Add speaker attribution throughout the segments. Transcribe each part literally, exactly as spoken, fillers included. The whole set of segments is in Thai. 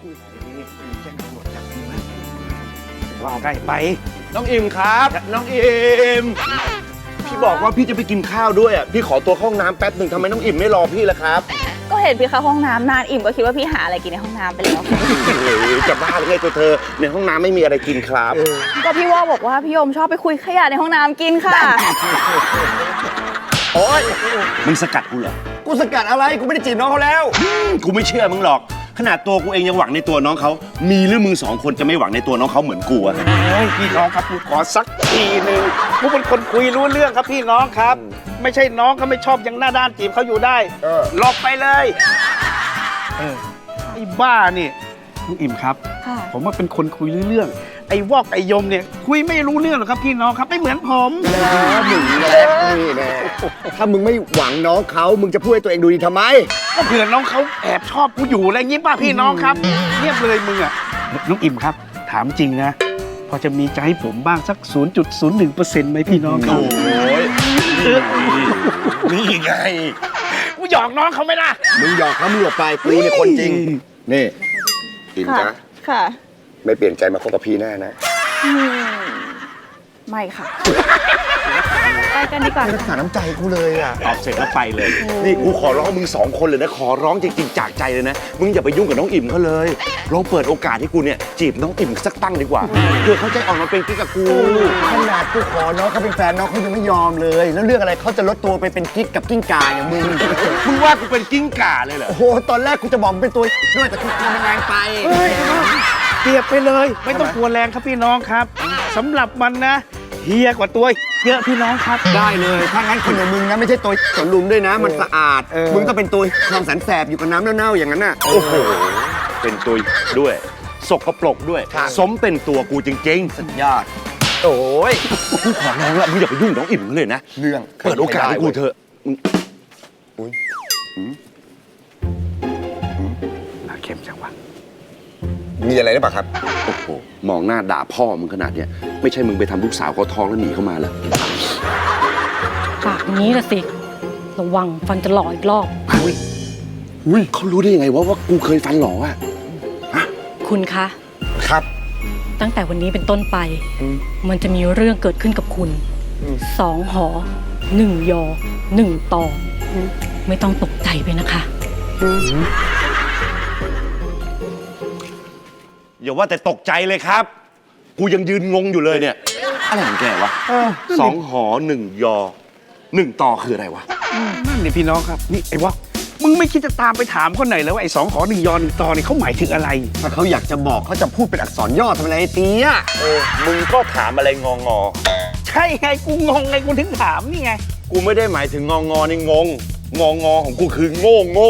Speaker 1: แจ้งตำรวจจับมึงนะว่าใกล้ไป
Speaker 2: น้องอิมครับน้องอิมพี่บอกว่าพี่จะไปกินข้าวด้วยอ่ะพี่ขอตัวเข้าห้องน้ำแป๊บหนึ่งทำไมน้องอิมไม่รอพี่ล่ะครับ
Speaker 3: ก็เห็นพี่เข้าห้องน้ำนานอิ่มก็คิดว่าพี่หาอะไรกินในห้องน้ำไปแล้ว
Speaker 2: จะบ้าหรือไงตัวเธอในห้องน้ำไม่มีอะไรกินครับ
Speaker 3: ก็พี่ว่าบอกว่าพี่โยมชอบไปคุยขยะในห้องน้ำกินค่ะ
Speaker 2: โอ๊ยมึงสกัดกูเหรอกูสกัดอะไรกูไม่ได้จีบน้องเขาแล้วกูไม่เชื่อมึงหรอกขนาดตัวกูเองยังหวังในตัวน้องเขามีหรือมึงสองคนจะไม่หวังในตัวน้องเขาเหมือนกูอะ
Speaker 1: เฮ้ยพี่น้องครับกูขอสักทีหนึ่งกูเป็นคนคุยรู้เรื่องครับพี่น้องครับไม่ใช่น้องเขาไม่ชอบยังหน้าด้านจีบเขาอยู่ได้หลบไปเลยเออไอ้บ้านี่ลุงอิ่มครับผมว่าเป็นคนคุยรู้เรื่องไอ้วอกไอ้ยมเนี่ยคุยไม่รู้เรื่องหรอกครับพี่น้องครับไม่เหมือนผม
Speaker 2: แล้วมึงแหละนี่แน่ถ้ามึงไม่หวังน้องเขามึงจะพูดให้ตัวเองดูดีทำไม
Speaker 1: ก็เผื่อน้องเขาแอบชอบกูอยู่อะไรงี้ป่ะพี่น้องครับเงียบเลยมึงอ่ะลุงอิ่มครับถามจริงนะพอจะมีใจให้ผมบ้างสัก ศูนย์จุดศูนย์หนึ่งเปอร์เซ็นต์ ไหมพี่น้องครับ
Speaker 2: โอ้ยนี่ไง
Speaker 1: กูหยอกน้องเขาไหมล่ะ
Speaker 2: มึงหยอกเขามึงหลบไปกูเนี่ยคนจริงนี่อิมจ๊ะ
Speaker 3: ค่ะ
Speaker 2: ไม่เปลี่ยนใจมาคบกับพี่แน่นะ
Speaker 3: ไม่ค่ะไปกันดีกว่า
Speaker 2: รักษาน้ำใจกูเลยอ่ะตอบเสร็จแล้วไปเลยนี่กูขอร้องมึงสองคนเลยนะขอร้องจริงๆจากใจเลยนะมึงอย่าไปยุ่งกับน้องอิ่มเขาเลยลองเปิดโอกาสให้กูเนี่ยจีบน้องอิ่มสักตั้งดีกว่าเพื่อเขาใจอ่อนมาเป็นกิ๊กกับกูขนาดกูขอน้องเขาเป็นแฟนน้องเขายังไม่ยอมเลยแล้วเรื่องอะไรเขาจะลดตัวไปเป็นกิ๊กกับกิ้งก่าอย่างมึงมึงว่ากูเป็นกิ้งก่าเลยเหรอโอ้โหตอนแรกกูจะบอกเป็นตัวด้วยแต่กูกลัวมันแรงไป
Speaker 1: เทียบไปเลยไม่ต้องกลัวแรงครับพี่น้องครับสำหรับมันนะเฮียกว่าตัวเยอะพี่น้องครับ
Speaker 2: ได้เลยถ้างั้นคนอย่างมึงนะไม่ใช่ตัวสนลุมด้วยนะมันสะอาดมึงต้องเป็นตัวความแสนแสบอยู่กับน้ำเน่าๆอย่างนั้นน่ะโอ้โหเป็นตัวด้วยสกปรกด้วยสมเป็นตัวกูจริงๆสุดยอดโอ้ยกูขอร้องละมึงอย่าไปยุ่งน้องอิ่มเลยนะเรื่องเปิดโอกาสให้กูเถอะอุ้ย
Speaker 1: น่าเข้มจังวะ
Speaker 2: มีอะไรหรือเปล่าครับโอ้โหมองหน้าด่าพ่อมึงขนาดเนี้ยไม่ใช่มึงไปทำลูกสาวเขาท้องแล้วหนีเข้ามาเหรอ
Speaker 4: ปากนี้ละสิระวังฟันจะหล่ออีกรอบ
Speaker 2: อุ้ยอุ้ยเขารู้ได้ยังไงว่าว่ากูเคยฟันหล่ออ่ะ
Speaker 4: คุณคะ
Speaker 2: ครับ
Speaker 4: ตั้งแต่วันนี้เป็นต้นไปมันจะมีเรื่องเกิดขึ้นกับคุณสองหอหนึ่งยอหนึ่งตอไม่ต้องตกใจไปนะคะ
Speaker 2: อย่าว่าแต่ตกใจเลยครับกูยังยืนงงอยู่เลยเนี่ยอะไรของแกวะสองหอหนึ่งยอหนึ่งต่อคืออะไรวะ
Speaker 1: นั่นนี่พี่น้องครับนี่ไอ้วะมึงไม่คิดจะตามไปถามคนไหนแล้วว่าไอ้สองหอหนึ่งยอหนึ่งต่อนี่เขาหมายถึงอะไร
Speaker 2: ถ้าเขาอยากจะบอกเขาจะพูดเป็นอักษรย่อทำอะไรเตี้ยเออมึงก็ถามอะไรงองอ
Speaker 1: ใช่ไงกูงงไงกูถึงถามนี่ไง
Speaker 2: กูไม่ได้หมายถึงงองอนี่งงงองอของกูคือโง่โง่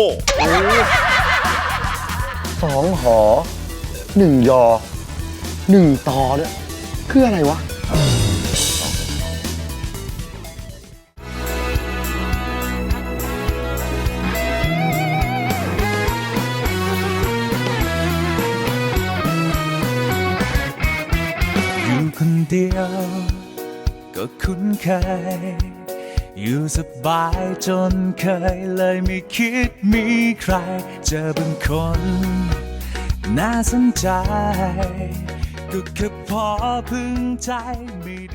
Speaker 2: สองหอหนึ่งยอหนึ่งตอเนี่ยคืออะไรวะ
Speaker 5: อยู่คนเดียวก็คุ้นเคยอยู่สบายจนเคยเลยไม่คิดมีใครเจอบางคนน่าสนใจก็แค่พอพึงใจไม่